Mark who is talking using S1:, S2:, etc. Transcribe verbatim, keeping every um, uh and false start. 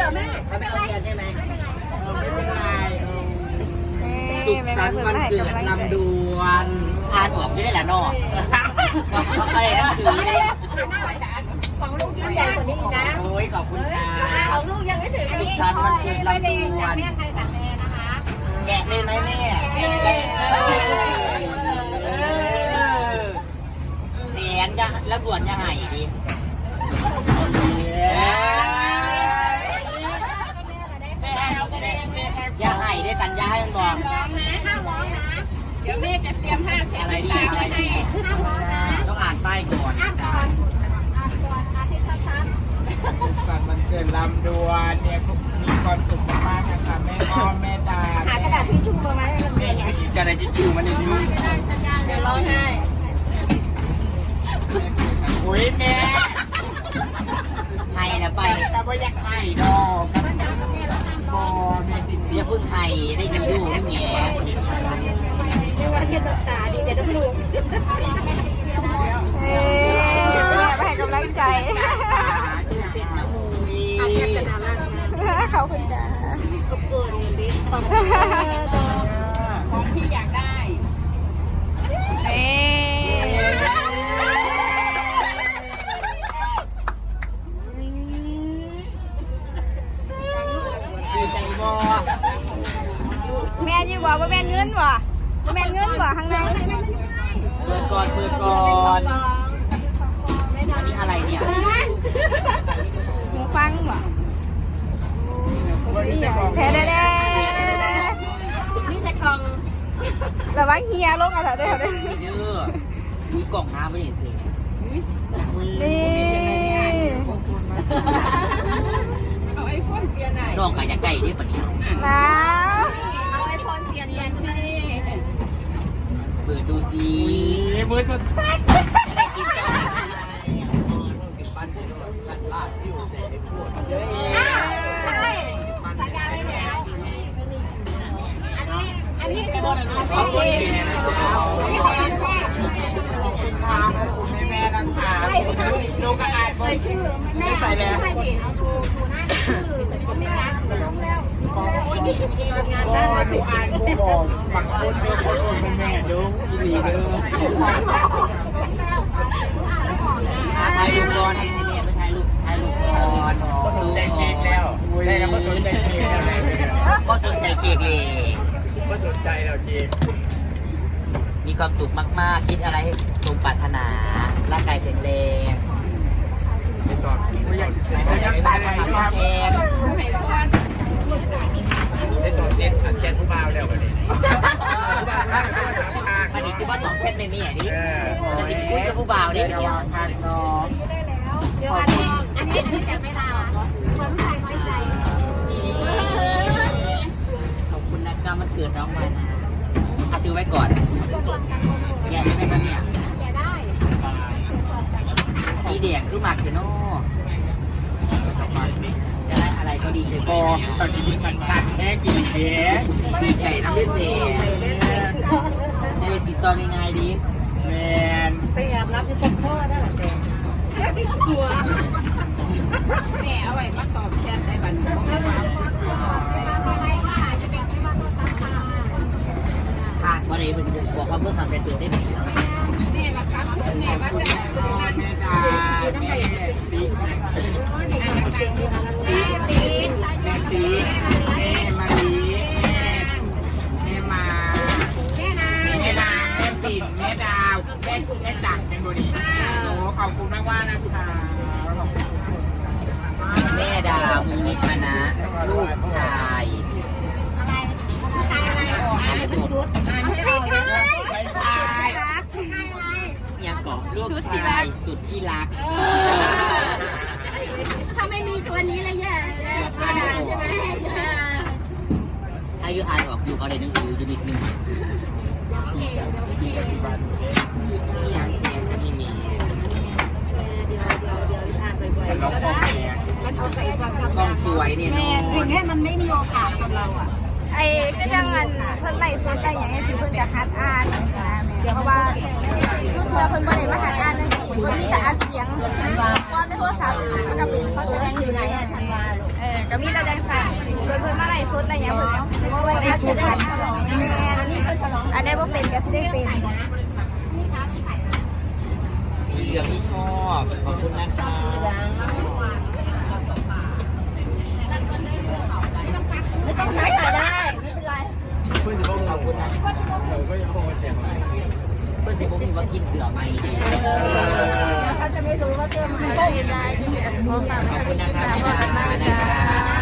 S1: แม่ไม่เป็นไรใช่ไหม
S2: ไม่เป็นไร
S3: สุขสันต์วันเกิดลำดวนอ่านออกไม่ได้ละนอกเขาอะไรหนังสือเลย
S1: ของลูกยิ่งใหญ่กว่านี้นะ
S3: โอ้ยขอบคุณค่ะ
S1: ของลูกยังไม่ถึง
S3: สุขสันต์วันเกิดลำดวน
S1: แม่ใครตัดแม่นะคะ
S3: แกะเลยไหมแม่แกะเสียนจะแล้วบวชยังไงดีอย่าให้ได้สัญญาให้มันบอก
S1: ร้องนะห้ามร้องนะเดี๋ยวแม่จะเตรียมผ้าเช็ด
S3: อะไรดีอะไรดีต้องอ่านป้ายก่อน
S1: อ่านก่อนอ่านก่อนอาทิตย์ชัด
S2: สุขสันต์วันเกิดลำดวนเนี่ยมีความสุขมากๆนะคะแม่อ้อมแม่ดา
S1: หากระดาษที่ชูมาไหมให้เราเรียนไง
S3: กระดาษทิชชู่มันนี่ยุ่ง
S1: เดี๋ยวร้องไห้
S2: อุ้ยแม่
S3: ให้แล้วไป
S2: ก็ไม่อยากให้ดอกบอแม่สิ
S3: อย่าเพิ่งให้ได้ยินดูนี่ไง
S1: เรียกว่าเทียนตบตาดีเดี๋ยวต้องดู
S3: เฮ้ยไปให้กำลังใจเขาคุณจ้า
S1: ของที่อยากได้
S3: เอ๊ดีใจบ่แม่ยี่บอกว่าแม่เงินบ่แม่เงินบ่ข้างในเปิดก่อนเปิดก่อนอันนี้อะไรเนี่ยหูฟังบ่แพ้ได้ได้
S1: นี่แต่ของ
S3: ระวังเฮียลงอะไรได้ไหมนี่เด้อมีกล่องน้ำไม่เห็นสินี่
S1: เอาไอโฟนเปลี่ยนไหน
S3: น้องกะอยากไก่ดิปะเนี่ย
S1: นะเอาไอโฟนเปลี่ยนยังสิ
S3: เปิดดูสิ
S2: มือจะสั่น
S1: ใช่สัญญาไว้แล้วอันนี้อันนี้เป็นของคนเองอันนี้ของคุณพ่อ
S2: ขอบคุณค่ะขอบคุณแม่นะคะดูกระดาษ
S1: เลยชื่อแม่ชื่อให้ดิเอาชูชูหน้าชื่อไม่รักลงแล้วงานด้าน
S2: ดูอ่านบูบอกบางคนเป็นคนเป็นแม่ดูอีหลีเด้อ
S3: ถ่ายรูปก่อนให้แม่ไปถ่ายรูปถ่ายรูปก่อน
S2: ก็สนใจเค้กแล้วได้แล้วก็สนใจเค้กแล้ว
S3: ก็สนใจเค้กเลย
S2: ก็สนใจแล้วเค้ก
S3: มีความสุขมากๆคิดอะไรให้สมปรารถนาร่างกายแข็งแรง
S2: ไม่ตอบไม่อยากไม่อยากตายเลยครับได้ตอบเซ็ตอันเช็ดผู้บ่าวแล้ววันนี้
S3: อันนี้คือว่าตอบเช็ดไม่มีอ่ะดิจะติดคุยกับผู้บ่าวนี่เป็นยัง
S2: ทานน้อง
S1: เดี๋ยวอันนี้อันนี้จะไม่ลาคนไทยน้อยใจ
S3: ขอบคุณนะครับมันเกิดน้องมานะเอาถือไว้ก่อนแย่ได้ไหมเนี่ย
S1: แย่ได้
S3: มีเด็กคือหมักเถอะโน่จะได้อะไรก็ดีใจไป
S2: ตอนนี้มีสัญชาติแค่กี่เก๋
S3: ดีใจน้ำเลือดเสียจะได้ติดต่อง่ายๆดี
S2: แมน
S1: พยายามรับจะพ่อได้หรอเจ๊กลัวแม่เอาไว้มาตอบแชทได้บัดนี้
S3: ขาดวันนี้เป็นบอกว่าเพื่อทำเป็นตื่นได้ไหม
S1: แม่รักษาชุดแม่ว่าจะ
S2: แม่จ๋าแม่ตี
S1: ตีตี
S2: ตีแม่มาลีแม่มา
S1: แม่นา
S2: แม่นาแม่ปิ่นแม่ดาวแม่แม่จักรเป็นบุรีโอ้ขอบคุณมากว่านะคะ
S3: แม่ดาวมุนิมานะลูกชาย
S1: อะไรชายอะไรออกอ่านเป็นชุดอ่านให้เรา
S2: ไม่ใช่
S1: รัก
S3: ยังเกาะลูกชายสุดที่รัก
S1: ถ้าไม่มีตัวนี้เลยแย่เลยใช่ไหม
S3: อายุอ่านออกอยู่เขาได้หนังสืออยู่นิดนึงนี่ยังเสียงจะไม่มีกล้องสวยเนี่ยน้อง
S1: แค่มันไม่มีโอกาสกับเราอ่ะ
S3: ไอ้ก็จังเงินเพิ่นไล่สดได้อย่างนี้สิเพิ่นจะคัดอ่านเพราะว่าชุดเธอเพิ่นบ่ได้มาคัดอ่านจังซี่เพิ่นมีแต่อัดเสียงก่อนในโทรศัพท์มันก็เป็นเขาแสดงอยู่ไหนอ่ะทันวาลูก
S1: เออก็มีแต่แดงสั่งจนเพิ่นมาไล่สดอะไรอย่างเพิ่นเนาะเพราะว่าได้จะได้แม่อันนี้ก็ฉลองอันนี้บ่เป็นก็สิได้เป็น
S3: มีเหลืองที่ชอบขอบคุณนะคะ
S1: ไม่ต้องใช้ขายได้ไม่เป็นไร
S3: เพื่อนสิบขอบคุณนะเราก็ยังคงมาเสียงเพื่อนสิบมีว่ากินเสือไหม
S1: เขาจะไม่รู้ว่าเสื้อมันไม่ได้ที่มีกระสุนความสวัสดีค่ะพ่อกันมาจ้า